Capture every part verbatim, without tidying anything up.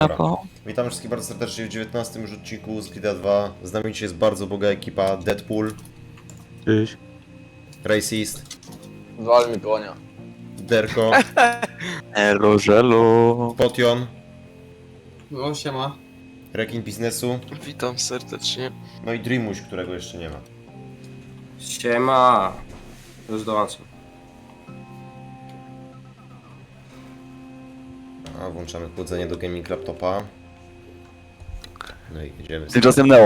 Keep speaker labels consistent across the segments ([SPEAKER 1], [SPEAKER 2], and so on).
[SPEAKER 1] Dobra. Witam wszystkich bardzo serdecznie w dziewiętnastym już odcinku z G T A dwa. Z nami dzisiaj jest bardzo boga ekipa. Deadpool,
[SPEAKER 2] Cześć.
[SPEAKER 1] Racist,
[SPEAKER 3] Wal mi konia.
[SPEAKER 1] Derko,
[SPEAKER 2] Elo, żelo.
[SPEAKER 1] Potion,
[SPEAKER 4] No siema.
[SPEAKER 1] Rekin Biznesu,
[SPEAKER 5] Witam serdecznie.
[SPEAKER 1] no i Dreamuś, którego jeszcze nie ma.
[SPEAKER 4] Siema. Już dołączam.
[SPEAKER 1] A, włączamy chłodzenie do gaming laptopa. No i jedziemy.
[SPEAKER 2] Tymczasem Neo.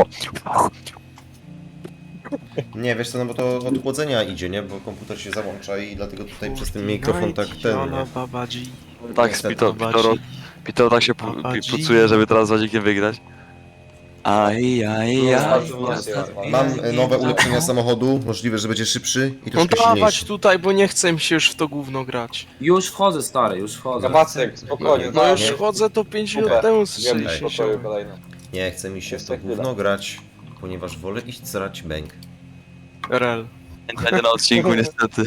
[SPEAKER 1] Nie, wiesz co, no bo to od chłodzenia idzie, nie? Bo komputer się załącza i dlatego tutaj przez ten mikrofon tak ten, nie?
[SPEAKER 5] Babadzi.
[SPEAKER 2] Tak, z Pito, Pitoro, Pitoro tak się pu- pi- pucuje, żeby teraz z Wadzikiem wygrać. Aj, aj, aj.
[SPEAKER 1] Mam e, nowe ulepszenia samochodu, możliwe, że będzie szybszy i
[SPEAKER 5] No
[SPEAKER 1] troszkę
[SPEAKER 5] dawać
[SPEAKER 1] silniejszy.
[SPEAKER 5] tutaj, bo nie chcę mi się już w to gówno grać.
[SPEAKER 4] Już wchodzę stary, już wchodzę.
[SPEAKER 3] Kabacek, spokojnie.
[SPEAKER 5] No już
[SPEAKER 1] nie.
[SPEAKER 5] chodzę to pięć minut
[SPEAKER 3] Dobra,
[SPEAKER 5] temu
[SPEAKER 3] Wiem,
[SPEAKER 5] strzeliście
[SPEAKER 3] w pokoju kolejny.
[SPEAKER 1] Nie, chce mi się w
[SPEAKER 3] Jeszcze
[SPEAKER 1] to
[SPEAKER 3] chwila.
[SPEAKER 1] gówno grać, ponieważ wolę iść zrać bęk.
[SPEAKER 5] Rel.
[SPEAKER 2] Będzie na odcinku niestety.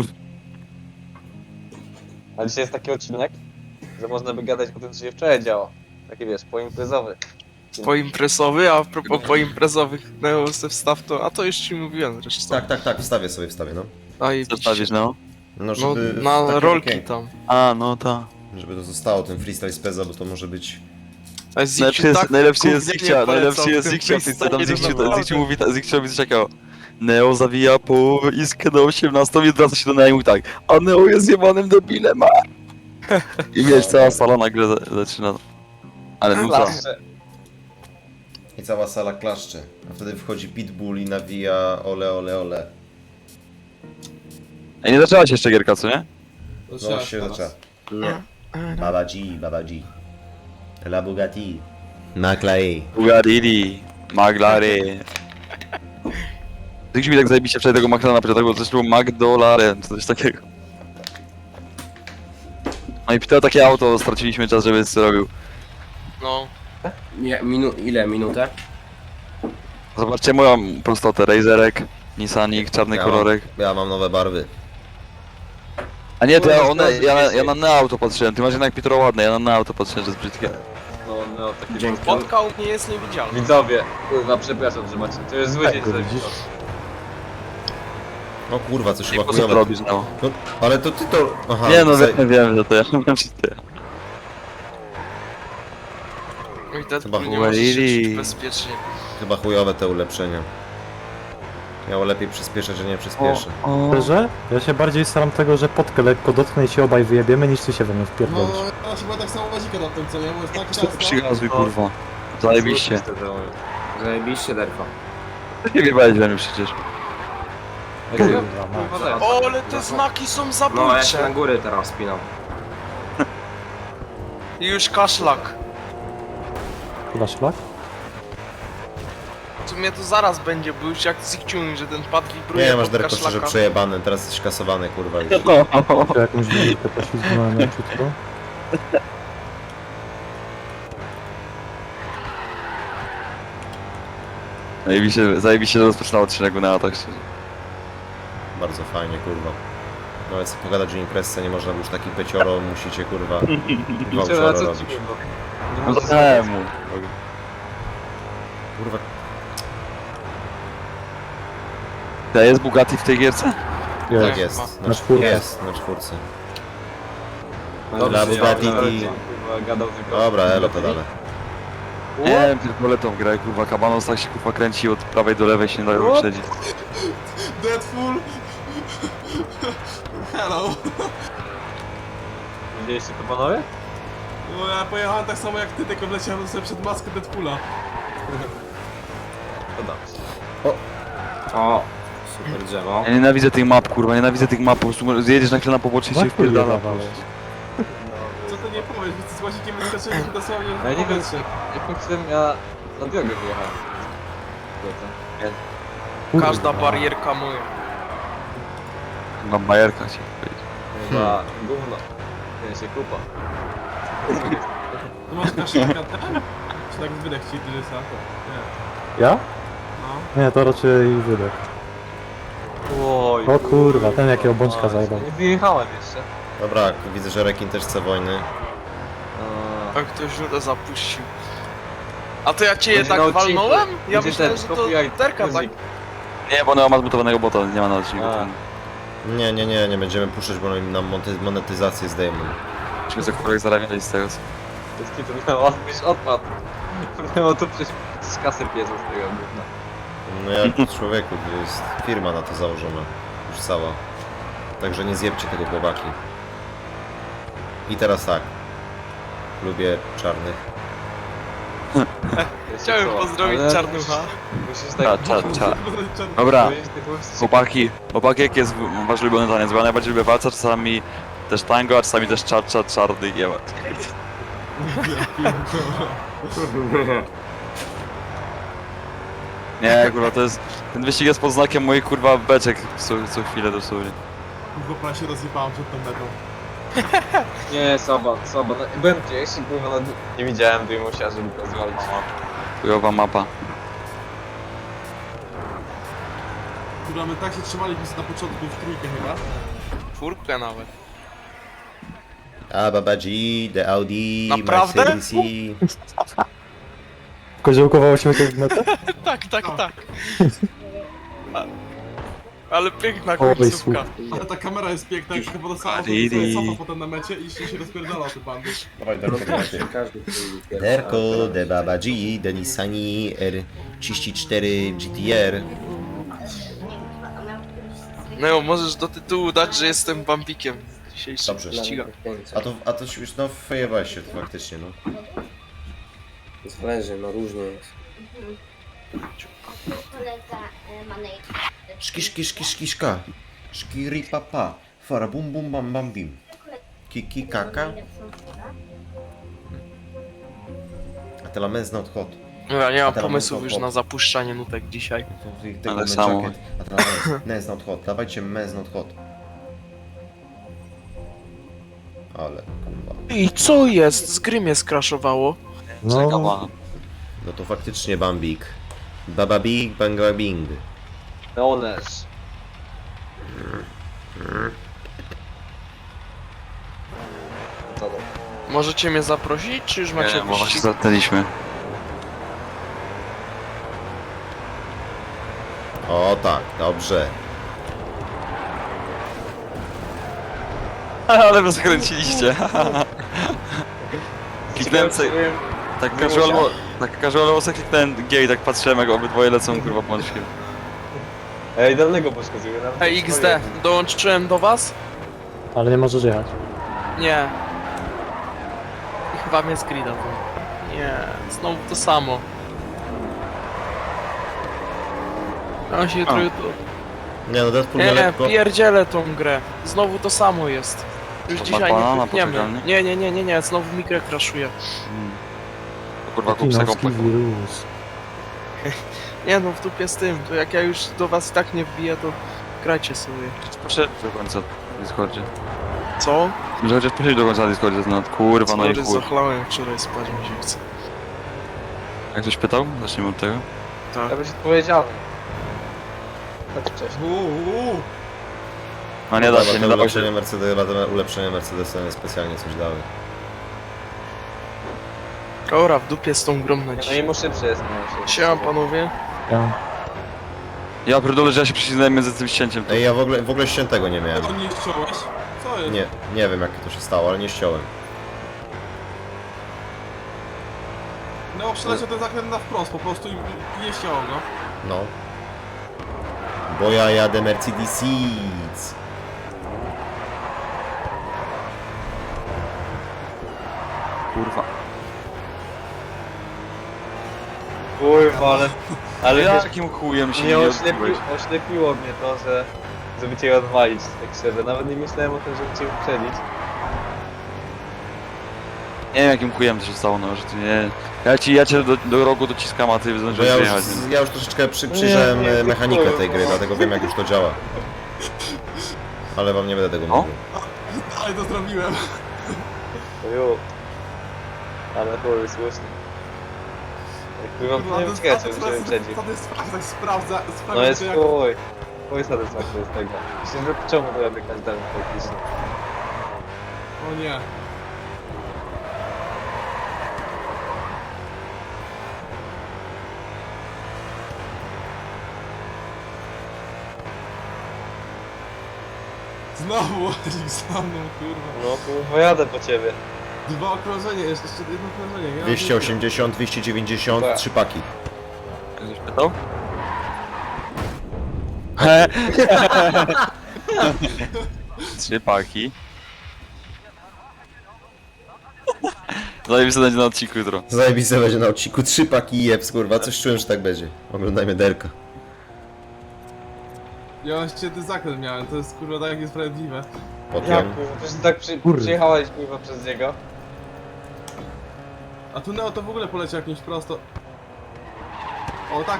[SPEAKER 3] A dzisiaj jest taki odcinek, że można by gadać o tym, co się wczoraj działo. Taki wiesz, poimprezowy.
[SPEAKER 5] Poimprezowy, a propos poimprezowych, Neo se wstaw to, a to już ci mówiłem zresztą.
[SPEAKER 1] Tak, tak, tak, wstawię sobie, wstawię, no.
[SPEAKER 5] A i
[SPEAKER 2] Co stawisz, Neo?
[SPEAKER 1] No,
[SPEAKER 5] No
[SPEAKER 1] żeby
[SPEAKER 5] na
[SPEAKER 1] takie
[SPEAKER 5] rolki
[SPEAKER 1] okienko,
[SPEAKER 5] tam.
[SPEAKER 2] A, no ta.
[SPEAKER 1] żeby to zostało, ten freestyle z Peza, bo to może być...
[SPEAKER 5] A Zikciu
[SPEAKER 2] Najlepszy jest,
[SPEAKER 5] tak
[SPEAKER 2] najlepszy jest
[SPEAKER 5] gównianie
[SPEAKER 2] Zikcia,
[SPEAKER 5] polecał
[SPEAKER 2] najlepszy jest
[SPEAKER 5] w tym
[SPEAKER 2] Zikcia, w tym co tam
[SPEAKER 5] freestyle,
[SPEAKER 2] Zikciu,
[SPEAKER 5] no
[SPEAKER 2] Zikciu mówi, Zikciu mówi coś takiego. Neo zawija po iskę do osiemnastą i wraca się do Neo i mówi tak. A Neo jest jebanym debilem, a. I wiesz, cała sala nagle za- zaczyna. Ale nuta.
[SPEAKER 3] Klaszcze.
[SPEAKER 1] I cała sala klaszcze. A wtedy wchodzi Pitbull i nawija ole, ole, ole.
[SPEAKER 2] Ej, nie zaczęła się jeszcze gierka, co nie?
[SPEAKER 1] No się zaczęła. Nie. Baba G, Baba G. La Bugatti. Naklei.
[SPEAKER 2] Bugarili, Maglary. Zikciu mi tak zajebiście wczoraj tego McLarena pytał, coś było Magdolaren, czy coś takiego. No i pytał takie auto, straciliśmy czas, żeby co robił.
[SPEAKER 5] No.
[SPEAKER 4] Nie, minu ile? Minutę?
[SPEAKER 2] Zobaczcie moją prostotę, Razerek, Nissanik, czarny
[SPEAKER 1] Ja
[SPEAKER 2] kolorek.
[SPEAKER 1] Mam, ja mam nowe barwy.
[SPEAKER 2] A nie, to ja,
[SPEAKER 3] Kurwa,
[SPEAKER 2] one,
[SPEAKER 3] zgadza
[SPEAKER 2] ja,
[SPEAKER 3] się.
[SPEAKER 2] ja na Neo auto patrzyłem, ty masz jednak Pitoro ładne, ja na Neo auto patrzyłem, że jest brzydkie.
[SPEAKER 3] No, no, taki
[SPEAKER 4] Dzięki.
[SPEAKER 5] Spotkał mnie jest niewidzialny.
[SPEAKER 3] Widzowie, kurwa, przepraszam, że macie. To jest zły dzień, że
[SPEAKER 2] widzisz?
[SPEAKER 1] O kurwa, coś
[SPEAKER 2] I
[SPEAKER 1] chyba
[SPEAKER 2] po co to
[SPEAKER 1] chujowe.
[SPEAKER 2] robisz, Neo?
[SPEAKER 1] No, ale to ty to... Aha,
[SPEAKER 2] Nie no,
[SPEAKER 1] zaj-
[SPEAKER 2] wiem, wiem, że to ja wiem, że to ja.
[SPEAKER 5] I Deadpool
[SPEAKER 1] Chyba
[SPEAKER 5] nie może się
[SPEAKER 2] Huawei.
[SPEAKER 5] czuć bezpiecznie.
[SPEAKER 1] Chyba chujowe te ulepszenia. Miało lepiej przyspieszać, że nie przyspieszę.
[SPEAKER 6] Szczerze? Ja się bardziej staram tego, że potkę lekko dotknę i się obaj wyjebiemy, niż ty się we mnie wpierdolisz.
[SPEAKER 7] No, ja chyba tak samo wazika na tym, co nie? Bo jest tak ciasno.
[SPEAKER 2] Przygazuj, kurwa. Zajebiście.
[SPEAKER 4] Zajebiście, Derko.
[SPEAKER 2] Ty nie wjebałeś we mnie przecież.
[SPEAKER 6] Kurwa, ma.
[SPEAKER 5] O, ale te znaki są
[SPEAKER 4] No, ja się na
[SPEAKER 5] zabójcze.
[SPEAKER 4] góry teraz spinam.
[SPEAKER 5] I już kaszlak.
[SPEAKER 6] Chyba szlak?
[SPEAKER 5] W sumie to zaraz będzie, bo już jak Zikciu mówi, że ten pad wibruje
[SPEAKER 1] Nie, masz
[SPEAKER 5] pod
[SPEAKER 1] Derko szczerze
[SPEAKER 5] kaszlaka.
[SPEAKER 1] przejebane, teraz jesteś kasowany, kurwa już.
[SPEAKER 6] Czy jakąś wielkę poślizgnąłem na ciutko?
[SPEAKER 2] Zajebiście, zajebiście rozpoczynał odcinek na atak, szczerze.
[SPEAKER 1] Bardzo fajnie, kurwa. No ale co pogadać o imprezce, nie można, bo już taki pecioro musicie, kurwa, vouchera
[SPEAKER 3] co
[SPEAKER 1] robić.
[SPEAKER 3] ci kurwa?
[SPEAKER 2] No to temu.
[SPEAKER 1] Kurwa,
[SPEAKER 2] To jest Bugatti w tej gierce?
[SPEAKER 1] tak
[SPEAKER 6] Jest.
[SPEAKER 1] jest.
[SPEAKER 6] Na czwórce.
[SPEAKER 1] Jest, na czwórce.
[SPEAKER 4] Dobrze,
[SPEAKER 1] Dla
[SPEAKER 4] że
[SPEAKER 1] Bugatti
[SPEAKER 4] ja-
[SPEAKER 1] i...
[SPEAKER 3] Kurwa, gadał tylko.
[SPEAKER 1] Dobra, elo to dane.
[SPEAKER 2] Nie wiem, pierdolę tą grę, kurwa, Kabanos tak się kurwa kręci od prawej do lewej, się nie da go śledzić.
[SPEAKER 7] Deadpool! Hello!
[SPEAKER 3] Widzieliście to panowie?
[SPEAKER 7] No ja pojechałem tak samo jak ty, tylko wleciałem sobie przed maskę Deadpoola.
[SPEAKER 3] To dobrze.
[SPEAKER 4] O, super drzewo.
[SPEAKER 2] Ja nienawidzę tych map, kurwa, nienawidzę tych map, po prostu zjedziesz na chwilę na pobocze i się
[SPEAKER 6] Łatwo
[SPEAKER 2] wpierdala.
[SPEAKER 6] dawałeś.
[SPEAKER 7] Co ty nie powiesz, bo z łazikiem wyskoczyłem dosłownie
[SPEAKER 3] Ja nie
[SPEAKER 7] w
[SPEAKER 3] wiem,
[SPEAKER 7] powietrze.
[SPEAKER 3] jakim cudem ja na drogę wyjechałem.
[SPEAKER 6] Kurwa.
[SPEAKER 5] Każda barierka moja.
[SPEAKER 2] Na bajerkach ci powiedzieć.
[SPEAKER 3] Chyba gówno. Nie się kupa.
[SPEAKER 7] Tu masz kaszlaka tam? Czy tak wydech ci dyrysa? Nie.
[SPEAKER 6] Ja?
[SPEAKER 7] No.
[SPEAKER 6] Nie, to raczej wydech.
[SPEAKER 3] Oj.
[SPEAKER 6] O kurwa, ten jakiego bączka zajebał.
[SPEAKER 3] Nie wyjechałem jeszcze.
[SPEAKER 1] Dobra, widzę, że Rekin też chce wojny.
[SPEAKER 3] Eee,
[SPEAKER 5] A ktoś nudę zapuścił. A to ja cię
[SPEAKER 3] Będzie
[SPEAKER 5] tak
[SPEAKER 3] na odcinku.
[SPEAKER 5] walnąłem? Ja
[SPEAKER 3] Będzie
[SPEAKER 5] myślałem,
[SPEAKER 3] ten
[SPEAKER 5] że to
[SPEAKER 3] copyright
[SPEAKER 5] terka tak.
[SPEAKER 3] music.
[SPEAKER 2] Nie, bo Neo ma zmutowanego bota, nie ma na odcinku.
[SPEAKER 3] A.
[SPEAKER 1] Nie, nie, nie, nie będziemy puszczać, bo nam monety- monetyzację zdejmą.
[SPEAKER 2] Musimy za których zarabiać z tego.
[SPEAKER 3] Bez kitu Neo, byś odpadł. Neo tu przecież z kasy piezą z tego gówna.
[SPEAKER 1] No jak człowieku, to jest firma na to założona. Już cała. Także nie zjebcie tego chłopaki. I teraz tak. Lubię czarnych.
[SPEAKER 3] Wiecie
[SPEAKER 5] Chciałem
[SPEAKER 3] co,
[SPEAKER 5] pozdrowić
[SPEAKER 3] ale
[SPEAKER 5] Czarnucha.
[SPEAKER 3] Musisz
[SPEAKER 2] Cza,
[SPEAKER 3] tak...
[SPEAKER 2] cza, cza. Dobra,
[SPEAKER 3] Musisz tych chłopców-
[SPEAKER 2] chłopaki, chłopaki jaki jest wasz ulubiony taniec? Bo ja najbardziej lubię walca, czasami też tango, a czasami też cza, cza, czarny i jebać. Nie, kurwa, to jest... Ten wyścig jest pod znakiem moich, kurwa, beczek co, co chwilę dosłownie.
[SPEAKER 7] Kurwa, się rozjebałem przed tą metą.
[SPEAKER 3] Nie, Soba, Soba, no, byłem gdzieś i kurwa, no, nie widziałem Dymusia, żeby go zwalić.
[SPEAKER 2] Chujowa mapa.
[SPEAKER 7] Kurwa, my tak się trzymaliśmy na początku w trójkę chyba.
[SPEAKER 5] Czwórkę nawet.
[SPEAKER 1] A Baba G, The Audi,
[SPEAKER 5] Naprawdę?
[SPEAKER 1] Mercedes.
[SPEAKER 6] Koziołkowało się jakieś metę?
[SPEAKER 5] Tak, tak, tak. A, ale piękna
[SPEAKER 6] Oj,
[SPEAKER 5] końcówka.
[SPEAKER 7] Ale ta kamera jest piękna, jak chyba dostała
[SPEAKER 2] Didi.
[SPEAKER 7] sobie cofa potem na mecie i się się rozpierdala te bandy.
[SPEAKER 1] Dawaj, Derko, Derko, The Baba G, The Nissani R trzydzieści cztery G T R.
[SPEAKER 5] No, możesz do tytułu dać, że jestem bambikiem. Dzisiejszy
[SPEAKER 1] Dobrze.
[SPEAKER 5] ściga.
[SPEAKER 1] A to, a to już, no fejewałeś się to faktycznie, no.
[SPEAKER 4] Zależy, no różnie jest.
[SPEAKER 8] Kolega e, ma naj...
[SPEAKER 1] Szki, szki, szki, szkiszka. Szkiri papa. Fara bum bum bam bam bim. Kiki kaka. A te lamens not hot.
[SPEAKER 5] No, ja nie mam
[SPEAKER 1] A teraz
[SPEAKER 5] pomysłów
[SPEAKER 1] mam
[SPEAKER 5] już
[SPEAKER 1] to-
[SPEAKER 5] na zapuszczanie nutek dzisiaj.
[SPEAKER 1] To ich tego
[SPEAKER 2] Ale
[SPEAKER 1] men
[SPEAKER 2] samo.
[SPEAKER 1] jacket. A teraz mens- mens not hot. Dawajcie mens not hot. Ale kurwa.
[SPEAKER 5] I co jest? Z gry mnie skraszowało.
[SPEAKER 2] Czekam,
[SPEAKER 6] No,
[SPEAKER 2] a...
[SPEAKER 1] No to faktycznie bambik. Baba big, banga bing.
[SPEAKER 3] Leones. Co to?
[SPEAKER 5] Możecie mnie zaprosić, czy już macie
[SPEAKER 2] Nie, bo właśnie
[SPEAKER 5] wyścig?
[SPEAKER 2] zatknęliśmy.
[SPEAKER 1] O tak, dobrze.
[SPEAKER 2] Ale wy skręciliście. Kliknąłem sobie, tak casualowo, tak casualowo sobie kliknąłem G i tak patrzyłem jak obydwoje lecą kurwa pączkiem.
[SPEAKER 3] Ej, idealnego poszkodziły nawet.
[SPEAKER 5] Ej, X D, dołączyłem do was?
[SPEAKER 6] ale nie możesz jechać.
[SPEAKER 5] Nie. I chyba mnie screena to. Nie, znowu to samo. On się jutro... jutro-
[SPEAKER 1] Nie no, Deadpool
[SPEAKER 5] Nie,
[SPEAKER 1] nie lekko.
[SPEAKER 5] pierdzielę tą grę. Znowu to samo jest. Już
[SPEAKER 2] To
[SPEAKER 5] dzisiaj
[SPEAKER 2] banana
[SPEAKER 5] nie klikniemy.
[SPEAKER 2] poczekalni?
[SPEAKER 5] Nie, nie, nie, nie, nie, znowu mikrę crashuje.
[SPEAKER 2] Hmm. To kurwa kup se
[SPEAKER 6] Kinowski
[SPEAKER 2] komplek.
[SPEAKER 6] wirus.
[SPEAKER 5] Nie no, w dupie z tym, to jak ja już do was i tak nie wbiję, to grajcie sobie.
[SPEAKER 2] Proszę do końca w Discordzie.
[SPEAKER 5] Co?
[SPEAKER 2] Że chociaż proszę do końca w Discordzie, no kurwa, no i
[SPEAKER 5] Sorry,
[SPEAKER 2] kur...
[SPEAKER 5] zachlałem wczoraj, spać mi się chce.
[SPEAKER 2] Jak ktoś pytał? Zacznijmy od tego.
[SPEAKER 5] Tak.
[SPEAKER 3] Ja byś odpowiedzialny. Tak wcześniej.
[SPEAKER 7] Uuu,
[SPEAKER 2] No nie da się, nie da się.
[SPEAKER 1] Ulepszenie Mercedes, ulepszenie Mercedesa specjalnie coś dały.
[SPEAKER 5] Ora, w dupie z tą grą na
[SPEAKER 3] No i
[SPEAKER 5] dzisiaj.
[SPEAKER 3] mu szybszy jest. no,
[SPEAKER 5] Siema panowie.
[SPEAKER 6] Ja.
[SPEAKER 2] Ja pierdolę, że ja się przycisnąłem między tym ścięciem.
[SPEAKER 1] Ej, ja w ogóle, w ogóle ściętego nie miałem.
[SPEAKER 7] tego nie ściąłeś? Co jest?
[SPEAKER 1] Nie, nie wiem jak to się stało, ale nie ściąłem.
[SPEAKER 7] No, przeleciał ten zakręt na wprost, po prostu i i nie ściął go.
[SPEAKER 1] No. Bo ja jadę Mercedes.
[SPEAKER 2] Kurwa.
[SPEAKER 3] Kurwa, ale... Ale
[SPEAKER 2] Ja
[SPEAKER 3] wiesz,
[SPEAKER 2] jakim chujem się
[SPEAKER 3] nie
[SPEAKER 2] nie
[SPEAKER 3] oślepiło,
[SPEAKER 2] odbiłeś.
[SPEAKER 3] oślepiło mnie to, że... Żeby cię odwalić, tak szczerze. Nawet nie myślałem o tym, żeby cię uprzedzić.
[SPEAKER 2] Nie wiem jakim chujem to się stało, no, że ty nie... Ja ci, ja cię do, do rogu dociskam, a ty
[SPEAKER 1] Bo
[SPEAKER 2] zdążyłeś
[SPEAKER 1] ja już,
[SPEAKER 2] wyjechać, więc...
[SPEAKER 1] ja już troszeczkę przy, przyjrzałem
[SPEAKER 3] Nie, nie,
[SPEAKER 1] e, mechanikę
[SPEAKER 3] tylko-
[SPEAKER 1] tej gry, dlatego wiem jak już to działa. Ale wam nie będę tego
[SPEAKER 2] O?
[SPEAKER 1] mówił.
[SPEAKER 7] Ale to zrobiłem.
[SPEAKER 3] Ju. Ale chuj, słusznie. Kurwa,
[SPEAKER 7] Kurwa,
[SPEAKER 3] nie
[SPEAKER 7] to
[SPEAKER 3] wiem, ciekawe,
[SPEAKER 7] jest
[SPEAKER 3] czy będziemy przedził.
[SPEAKER 7] satysfakcja, tak sprawdza,
[SPEAKER 3] No
[SPEAKER 7] sprawdza
[SPEAKER 3] jest
[SPEAKER 7] to jak...
[SPEAKER 3] chuj. Chuj satysfakcja z tego. Myślę, że czemu to robię każdemu praktycznie.
[SPEAKER 7] O nie. Znowu łazik za mną, kurwa.
[SPEAKER 3] No kurwa, jadę po ciebie.
[SPEAKER 7] Dwa okrążenia, jeszcze jeszcze jedno okrążenie. Ja
[SPEAKER 1] dwieście osiemdziesiąt, dwieście dziewięćdziesiąt,
[SPEAKER 3] Tak.
[SPEAKER 1] trzy paki.
[SPEAKER 2] Ktoś pytał? He. Trzy paki. Zajebiste będzie na odcinku jutro.
[SPEAKER 1] Zajebiste będzie na odcinku, trzy paki i jeps, kurwa, coś czułem, że tak będzie. Oglądajmy derka.
[SPEAKER 7] Ja świetny zakręt miałem, to jest kurwa tak niesprawiedliwe.
[SPEAKER 3] Jak
[SPEAKER 1] Potem.
[SPEAKER 3] kurwa, przecież tak przy,
[SPEAKER 6] Kurde.
[SPEAKER 3] przyjechałeś kurwa przez niego.
[SPEAKER 7] A tu Neo to w ogóle poleciał jakimś prosto. O tak.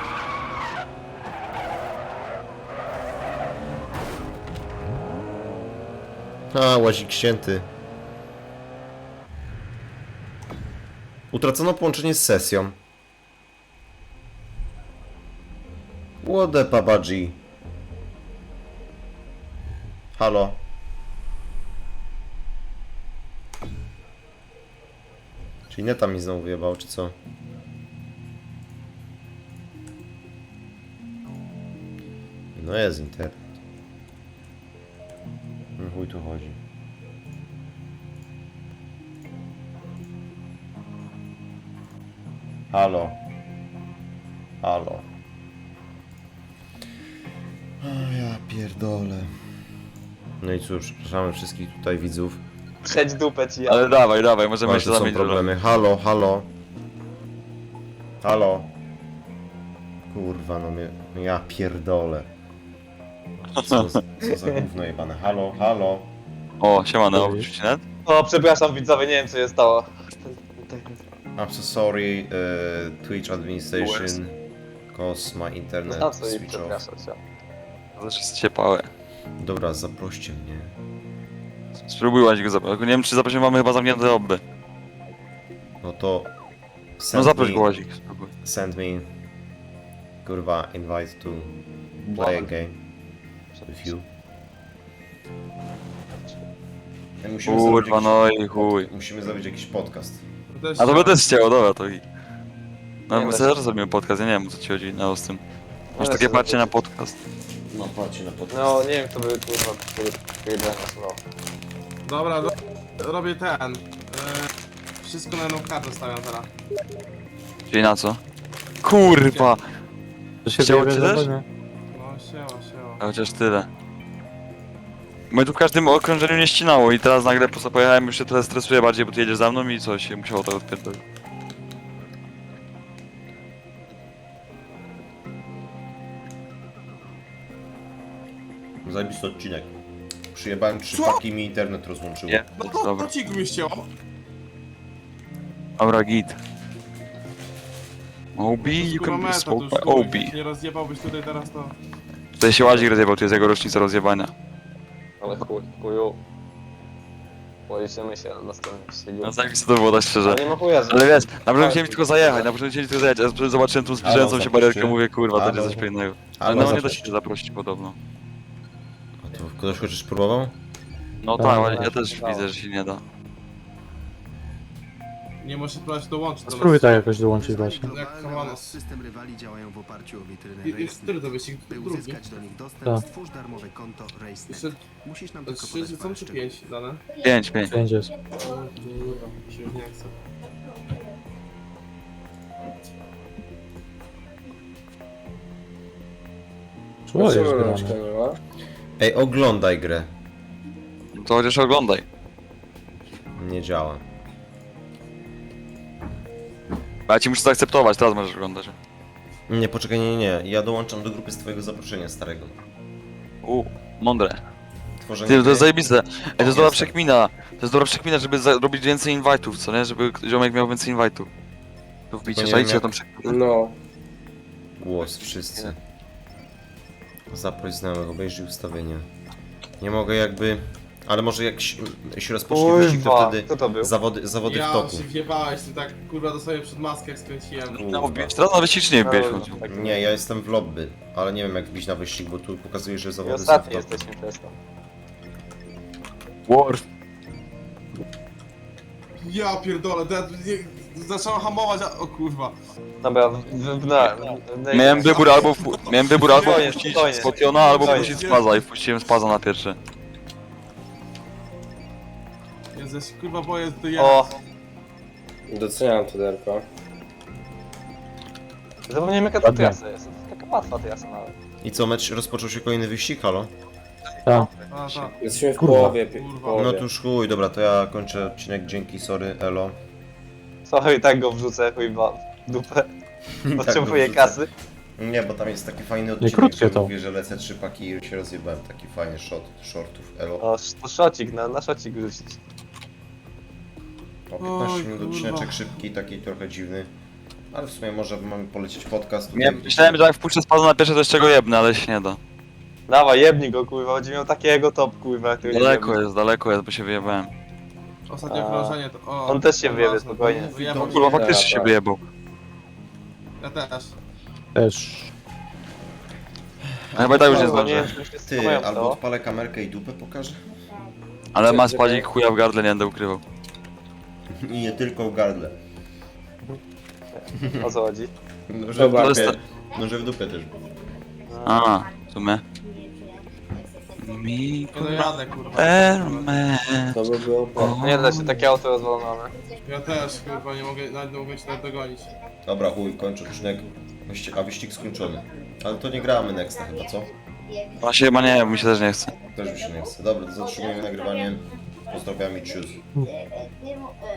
[SPEAKER 1] A, łazik ścięty. Utracono połączenie z sesją. What the babaji? Halo? Czyli neta mi znowu wyjebał, czy co? No jest internet. No chuj tu chodzi. Halo. Halo. O ja pierdolę. No i cóż, przepraszamy wszystkich tutaj widzów.
[SPEAKER 3] Trzeć dupę ci
[SPEAKER 2] Ale
[SPEAKER 3] jadę.
[SPEAKER 2] dawaj, dawaj, możemy
[SPEAKER 1] Ale
[SPEAKER 2] jeszcze
[SPEAKER 1] tu są
[SPEAKER 2] zamienić rolę.
[SPEAKER 1] problemy. Halo, halo. Halo. Kurwa, no mnie... no ja pierdolę. Co, za- co za gówno jebane. Halo, halo.
[SPEAKER 2] O, siemano, oczywiście net.
[SPEAKER 3] O, przepraszam widzowie, nie wiem co się stało.
[SPEAKER 1] I'm so sorry, uh, Twitch administration, cause my internet
[SPEAKER 3] No co i
[SPEAKER 1] switch off.
[SPEAKER 3] przepraszam cię.
[SPEAKER 2] Znaczy jest ciepłe.
[SPEAKER 1] Dobra, zaproście mnie.
[SPEAKER 2] Spróbujłaś go zaprosić. Nie wiem czy zaprosiłem, mamy chyba zamknięte obby.
[SPEAKER 1] No to...
[SPEAKER 2] No
[SPEAKER 1] Send
[SPEAKER 2] zaproś
[SPEAKER 1] me,
[SPEAKER 2] go łazik, spróbuj.
[SPEAKER 1] Send me... Kurwa, invite to play a game with you. Ja musimy zrobić
[SPEAKER 2] Kurwa,
[SPEAKER 1] jakiś-
[SPEAKER 2] no i chuj.
[SPEAKER 1] Musimy zrobić jakiś podcast.
[SPEAKER 7] To też
[SPEAKER 2] A to by też chciało, dobra, to i... No
[SPEAKER 3] Nie,
[SPEAKER 2] my
[SPEAKER 3] weź-
[SPEAKER 2] zaraz zrobimy podcast, ja nie wiem o co ci chodzi, no z tym. Masz
[SPEAKER 3] Ale
[SPEAKER 2] takie
[SPEAKER 3] sobie
[SPEAKER 2] parcie na
[SPEAKER 3] to-
[SPEAKER 2] podcast.
[SPEAKER 1] No, patrzcie na podcast.
[SPEAKER 3] No nie wiem kto by kurwa wyjebał no.
[SPEAKER 7] Dobra, do... robię ten. E... Wszystko na jedną kartę stawiam teraz.
[SPEAKER 2] Czyli na co? Kurwa!
[SPEAKER 6] To się
[SPEAKER 2] Chciało
[SPEAKER 6] wyjebie
[SPEAKER 2] ci
[SPEAKER 6] za
[SPEAKER 2] też?
[SPEAKER 6] nie?
[SPEAKER 7] No siema, siema.
[SPEAKER 2] A chociaż tyle. My tu w każdym okrążeniu nie ścinało i teraz nagle po prostu pojechałem, już się trochę stresuję bardziej, bo ty jedziesz za mną i coś się musiało to odpierdolić.
[SPEAKER 1] Zajebisty odcinek. Przyjebałem trzy
[SPEAKER 7] Co?
[SPEAKER 1] paki i mi internet rozłączyło.
[SPEAKER 2] Nie,
[SPEAKER 7] No to,
[SPEAKER 2] dobra.
[SPEAKER 7] to ci mnie ścięło.
[SPEAKER 2] Dobra, git. O B,
[SPEAKER 7] To jest,
[SPEAKER 2] you
[SPEAKER 7] kurwa,
[SPEAKER 2] can be
[SPEAKER 7] meta, to
[SPEAKER 2] spoke
[SPEAKER 7] już,
[SPEAKER 2] by
[SPEAKER 7] kurwa,
[SPEAKER 2] O
[SPEAKER 7] jak
[SPEAKER 2] B.
[SPEAKER 7] Nie rozjebałbyś tutaj teraz to...
[SPEAKER 2] Tutaj się łazik rozjebał, tu jest jego rocznica rozjebania.
[SPEAKER 3] Ale chuj, chuju. Policzymy się na następnym ścigu.
[SPEAKER 2] No zajebiste to było, tak szczerze.
[SPEAKER 3] Ale nie ma chuja, że...
[SPEAKER 2] Ale wiesz, na początku chciałem tylko zajechać, na początku chciałem tylko zajechać, a zobaczyłem tą zbliżającą się barierkę, mówię kurwa, to będzie coś pięknego. Ale no nie da się zaprosić podobno.
[SPEAKER 1] A to ktoś chociaż próbował?
[SPEAKER 2] No
[SPEAKER 6] Tak,
[SPEAKER 2] tak, ale
[SPEAKER 3] tak,
[SPEAKER 2] ja też
[SPEAKER 3] tak.
[SPEAKER 2] widzę, że się nie da.
[SPEAKER 7] Nie możesz próbować dołączyć do
[SPEAKER 6] Spróbuj
[SPEAKER 7] nas.
[SPEAKER 6] tak jakoś dołączyć właśnie.
[SPEAKER 7] Jak
[SPEAKER 9] Globalny
[SPEAKER 7] kochany.
[SPEAKER 9] oraz system rywali działają w oparciu o witrynę
[SPEAKER 7] I- i
[SPEAKER 9] Racenet.
[SPEAKER 7] który to wyścig?
[SPEAKER 9] By
[SPEAKER 7] Drugi?
[SPEAKER 9] uzyskać do nich dostęp,
[SPEAKER 6] Tak.
[SPEAKER 9] stwórz darmowe konto Racenet.
[SPEAKER 7] Jeszcze
[SPEAKER 9] Musisz nam tylko
[SPEAKER 7] trzy
[SPEAKER 9] podać
[SPEAKER 7] są
[SPEAKER 9] parę
[SPEAKER 7] czy
[SPEAKER 9] szczegółów.
[SPEAKER 7] pięć dane?
[SPEAKER 2] Pięć, pięć.
[SPEAKER 6] Pięć jest.
[SPEAKER 7] O kurwa, mi się już nie chce.
[SPEAKER 6] Co jest grane?
[SPEAKER 1] Ej, oglądaj grę.
[SPEAKER 2] No to chociaż oglądaj.
[SPEAKER 1] Nie działa.
[SPEAKER 2] A ja ci muszę zaakceptować, teraz możesz oglądać.
[SPEAKER 1] Nie, poczekaj, nie, nie, nie. Ja dołączam do grupy z twojego zaproszenia starego.
[SPEAKER 2] U, mądre.
[SPEAKER 1] Tworzenie
[SPEAKER 2] Ty, to
[SPEAKER 1] gry.
[SPEAKER 2] jest zajebiste. Ej, to jest dobra
[SPEAKER 1] Jestem.
[SPEAKER 2] przekmina. To jest dobra przekmina, żeby robić więcej invite'ów, co nie? Żeby ziomek miał więcej invite'ów. Tu wbicie,
[SPEAKER 1] nie
[SPEAKER 2] czajcie
[SPEAKER 1] wiem,
[SPEAKER 2] tą
[SPEAKER 1] jak-
[SPEAKER 2] przekminę.
[SPEAKER 3] No.
[SPEAKER 1] Głos, wszyscy. Zaproś znajomych, obejrzyj ustawienia. Nie mogę jakby... Ale może jak się, się rozpocznie wyścig, to
[SPEAKER 3] Kurwa,
[SPEAKER 1] wtedy
[SPEAKER 3] kto to był?
[SPEAKER 1] zawody, zawody w
[SPEAKER 7] Ja
[SPEAKER 1] toku.
[SPEAKER 7] się wjebałeś, ty tak kurwa dosłownie przed maskę jak skręciłem.
[SPEAKER 2] No, wbić teraz na wyścig czy nie wbiłeś w
[SPEAKER 3] No,
[SPEAKER 2] końcu?
[SPEAKER 3] tak.
[SPEAKER 1] Nie, ja jestem w lobby, ale nie wiem jak wbić na wyścig, bo tu pokazuje, że
[SPEAKER 3] I
[SPEAKER 1] zawody są w
[SPEAKER 3] ostatni
[SPEAKER 1] toku.
[SPEAKER 3] jesteśmy przez to.
[SPEAKER 2] War.
[SPEAKER 7] Ja pierdolę, to ja nie, zacząłem hamować, a... o kurwa.
[SPEAKER 3] Dobra, w, w, w, na, w, w,
[SPEAKER 2] Miałem wybór albo, wpu- miałem wybór albo
[SPEAKER 3] Spokojnie,
[SPEAKER 2] wpuścić
[SPEAKER 3] spokojnie.
[SPEAKER 2] Spotiona, albo
[SPEAKER 7] Spokojnie.
[SPEAKER 2] wpuścić Spaza i wpuściłem Spaza na pierwsze.
[SPEAKER 7] Ja się kurwa boję do
[SPEAKER 3] O,
[SPEAKER 4] Doceniam to derko.
[SPEAKER 3] zapomniałem jaka to
[SPEAKER 6] Ładnie.
[SPEAKER 3] trasa jest. To taka łatwa trasa nawet.
[SPEAKER 1] I co, mecz rozpoczął się kolejny wyścig, halo?
[SPEAKER 6] Tak.
[SPEAKER 7] A, tak.
[SPEAKER 4] Jesteśmy w
[SPEAKER 6] Kurwa.
[SPEAKER 4] połowie, pi-
[SPEAKER 7] Kurwa.
[SPEAKER 4] połowie.
[SPEAKER 1] No to już chuj, dobra, to ja kończę odcinek, dzięki, sorry, elo.
[SPEAKER 3] Sorry, tak go wrzucę, chyba w dupę.
[SPEAKER 1] Tak,
[SPEAKER 3] Potrzebuję
[SPEAKER 1] no,
[SPEAKER 3] kasy.
[SPEAKER 1] Nie, bo tam jest taki fajny odcinek,
[SPEAKER 6] krótkie
[SPEAKER 1] że
[SPEAKER 6] to.
[SPEAKER 1] mówię, że lecę trzy paki i się rozjebałem, taki fajny shot, shortów, elo.
[SPEAKER 3] O, to szocik, na, na szocik wrzucić.
[SPEAKER 1] O, piętnaście
[SPEAKER 7] Oj,
[SPEAKER 1] minut
[SPEAKER 7] kurwa.
[SPEAKER 1] odcineczek szybki, taki trochę dziwny. Ale w sumie może mamy polecieć podcast.
[SPEAKER 2] Nie, myślałem, że jak wpuszczę spada na pierwsze, to z czego jebnę, ale się nie da.
[SPEAKER 3] Dawaj, jebnij go kurwa, będzie miał takiego top kurwa. który
[SPEAKER 2] Daleko
[SPEAKER 3] jebnie.
[SPEAKER 2] jest, daleko jest, bo się wyjebałem.
[SPEAKER 7] Ostatnie
[SPEAKER 3] A.
[SPEAKER 7] krążenie to... O,
[SPEAKER 3] On też się
[SPEAKER 7] to
[SPEAKER 3] wyjebie,
[SPEAKER 7] ważne.
[SPEAKER 3] spokojnie.
[SPEAKER 7] Wyjebał
[SPEAKER 2] Kurwa,
[SPEAKER 7] mnie.
[SPEAKER 2] faktycznie się
[SPEAKER 4] tak.
[SPEAKER 2] wyjebał.
[SPEAKER 7] Ja też.
[SPEAKER 6] Też.
[SPEAKER 2] A chyba i tak już nie
[SPEAKER 3] Kurwa,
[SPEAKER 2] zdążę.
[SPEAKER 3] wiem, czy mi się
[SPEAKER 1] Ty,
[SPEAKER 3] schowają
[SPEAKER 1] albo
[SPEAKER 3] to.
[SPEAKER 1] odpalę kamerkę i dupę pokażę.
[SPEAKER 2] Ale ma spadzik chuja w gardle, nie będę ukrywał.
[SPEAKER 1] I nie tylko w gardle.
[SPEAKER 3] O co chodzi?
[SPEAKER 1] No, że w
[SPEAKER 4] Dobra.
[SPEAKER 1] dupie, no, że w dupie też było.
[SPEAKER 2] A, w sumie. Mi...
[SPEAKER 7] Nie dojadę kurwa.
[SPEAKER 2] Erme.
[SPEAKER 4] To by było po...
[SPEAKER 3] No nie da się, takie auto rozwalone.
[SPEAKER 7] Ja też kurwa nie mogę, nawet nie mogę cię nawet dogonić.
[SPEAKER 1] Dobra, chuj, kończę odcinek. Wyścig- A wyścig skończony. Ale to nie gramy nexta chyba, co?
[SPEAKER 2] Właśnie chyba nie, mi się też nie chce.
[SPEAKER 1] Też mi się nie chce. Dobra, to zatrzymujemy nagrywanie. Pozdrawiam i tschüss.
[SPEAKER 8] Nie, mo- e,